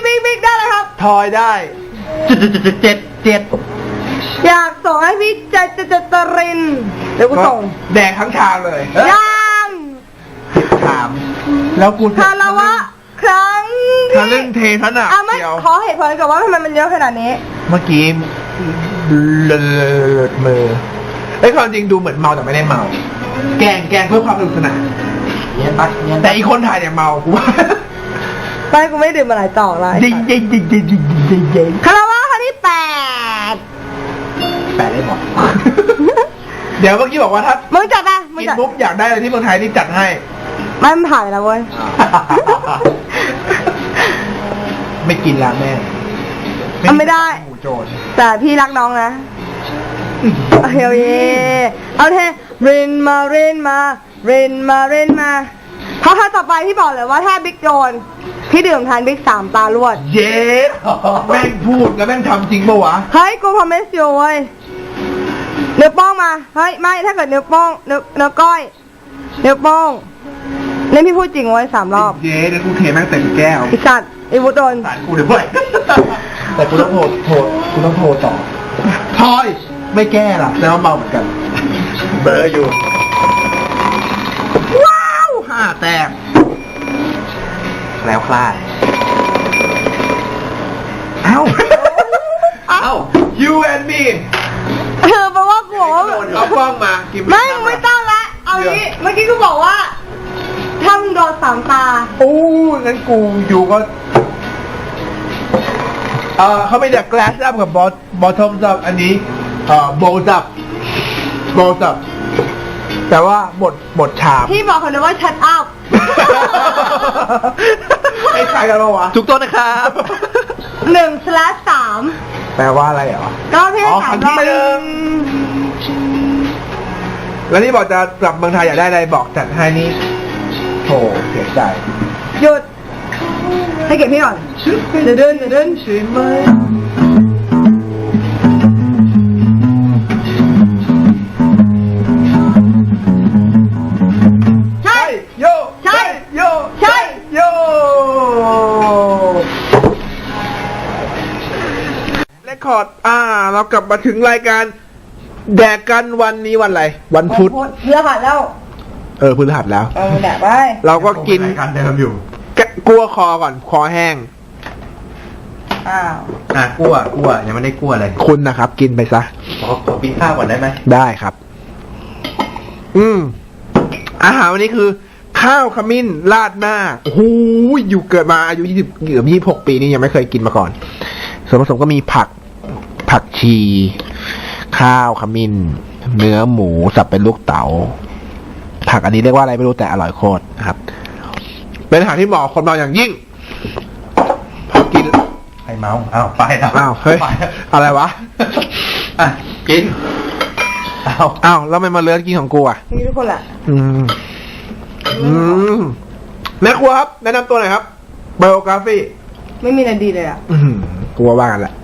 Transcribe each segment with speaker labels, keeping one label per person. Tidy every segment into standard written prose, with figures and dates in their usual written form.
Speaker 1: บิ๊กได้เลยครับ
Speaker 2: ทอยได้7
Speaker 1: อยากส่งให้พี่เจตรินเดี๋ยวกูส่ง
Speaker 2: แดกทั้งชามเลย
Speaker 1: ยัง
Speaker 2: ถามแล้วกู
Speaker 1: คารวะครั้ง
Speaker 2: ทะลึ่งเทขนาด
Speaker 1: เดียวขอเหตุผลก่อนว่าทำไมมันเยอะขนาดนี้
Speaker 2: เมื่อกี้เลิศมือความจริงดูเหมือนเมาแต่ไม่ได้เมาแกล้งเพื่อความสนุกสนานแต่อีกคนถ่ายเนี่ยเมากูว่า
Speaker 1: ไปกูไม่ดื่มมาหลายต่อเลยคารวะครั้งที่8
Speaker 2: ได้หมดเดี๋ยวเมื่อกี้บอกว่าถ้า
Speaker 1: มึงจัดนะ
Speaker 2: กินปุ๊บอยากได้อะไรที่เมืองไทยนี่จัดให้
Speaker 1: มันถ่ายแล้วเว้ย
Speaker 2: ไม่กินละแม่
Speaker 1: ไม่ได้แต่พี่รักน้องนะเฮ้ยเอาเทเรนมาเพราะถ้าต่อไปพี่บอกเลยว่าถ้าบิ๊กโดนพี่ดื่มทานบิ๊ก3 ตารวด
Speaker 2: เย้แม่งพูดแล้วแม่งทำจริงปะวะ
Speaker 1: เฮ้ยกูพอไม่เสียวเว้ยเนื้อป้องมาเฮ้ยไม่ถ้าเกิดเนื้อป้องเนื้อก้อยเนื้อป้องเล่นพี่พูดจริงไว้3 รอบ
Speaker 2: เย้เดี๋ยวกูเทแม่งเต็มแก้ว
Speaker 1: ไอ้สัตว์ไอ้วุฒิโดน
Speaker 2: สารกูด้วยแต่กูต้องโทรต่อทอยไม่แก้ล่ะแล้วเมาเหมือนกันเบอร์อยู่
Speaker 1: ว้าว
Speaker 2: 5 แต้มแล้วคลายเอ้า you and me
Speaker 1: แปลว่ากู
Speaker 2: เอากล้องมา
Speaker 1: ไม่ต้องละเอางี้เมื่อกี้กูบอกว่าถ้ามึงโดน3 ตา
Speaker 2: โอ้งั้นกูอยู่ก็เขาไม่เรียก glass up กับ bottom up อันนี้bowl up แต่ว่าบทฉาบ
Speaker 1: พี่บอกเขาเลยว่า shut up
Speaker 2: ไอ้ใครกันวะ
Speaker 3: ถูกต้องนะครับ
Speaker 1: 1/3
Speaker 2: แปลว่าอะไรเหรอ
Speaker 1: ก็พี่ถาม
Speaker 2: ที่แล้วนี่บอกจะกลับเมืองไทยอยากได้อะไรบอกจัดให้นี่โธ่เสียใจ
Speaker 1: หยุดให้เก็บพี่ก่อนเดินใช่ไหมใช่
Speaker 2: โยเรคคอร์ดเรากลับมาถึงรายการแดกกันวันนี้วันอะไรวันพุธ
Speaker 1: พฤหัสแล้ว
Speaker 2: พฤหัสแล้ว
Speaker 1: แดกไป
Speaker 2: เราก็กิน
Speaker 3: การเดิมอยู่
Speaker 2: กลัวคอก่อนคอแห้ง
Speaker 3: กลัวยังไม่ได้กลัวเลย
Speaker 2: คุณนะครับกินไปซะ
Speaker 3: ขอกินข้าวก่อนได้ไหม
Speaker 2: ได้ครับอาหารวันนี้คือข้าวขมิ้นราดหน้าโอ้โหอยู่เกิดมาอายุ26 ปีนี่ยังไม่เคยกินมาก่อนส่วนผสมก็มีผักชีข้าวขมิ้นเนื้อหมูสับเป็นลูกเต๋าผักอันนี้เรียกว่าอะไรไม่รู้แต่อร่อยโคตรนะครับเป็นอาหารที่เหมาะคนเมาอย่างยิ่งพอกิน
Speaker 3: ไอ้เมาไปแล้ว
Speaker 2: เฮ้ยอะไรวะ
Speaker 3: กิน
Speaker 2: แล้วไม่มาเลือกกินของกู
Speaker 1: นี่ทุกคนแหละ
Speaker 2: แม่ครัวครับแนะนำตัวหน่อยครับไบโอกราฟี
Speaker 1: ไม่มีอะไรดีเลย
Speaker 2: กลัวว่ากันแหละ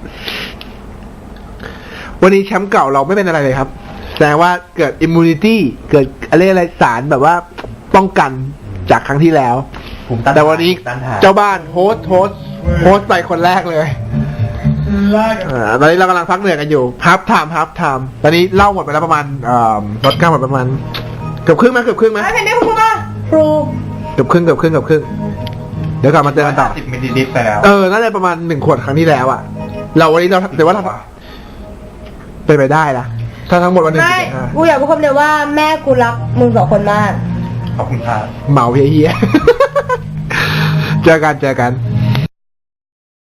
Speaker 2: วันนี้แชมป์เก่าเราไม่เป็นอะไรเลยครับแสดงว่าเกิดอิมมูนิตี้เกิดอะไรสารแบบว่าป้องกันจากครั้งที่แล้วแต่วันนี้เจ้าบ้านโฮสต์ไปคนแรกเลยตอนนี้เรากำลังพักเหนื่อยกันอยู่ฮับไทม์ตอนนี้เล่าหมดไปแล้วประมาณรถก้าวหมดประมาณเกือบครึ่งไหม
Speaker 1: ไม่เป็นได้คุณป่ะครู
Speaker 2: เกือบครึ่งเดี๋ยวกลับมาเจอกันต่อ
Speaker 3: 10 มิลลิลิตรไปแล้ว
Speaker 2: น่าจะประมาณ1 ขวดครั้งที่แล้วเราวันนี้เราแต่ว่าเราเป็นไปได้นะถ้าทั้งหมดวันนึง
Speaker 1: กูอยากพูดคำเดียวว่าแม่กูรักมึง2 คนมาก
Speaker 3: ขอบคุณครับ
Speaker 2: เมาเฮียเจอกัน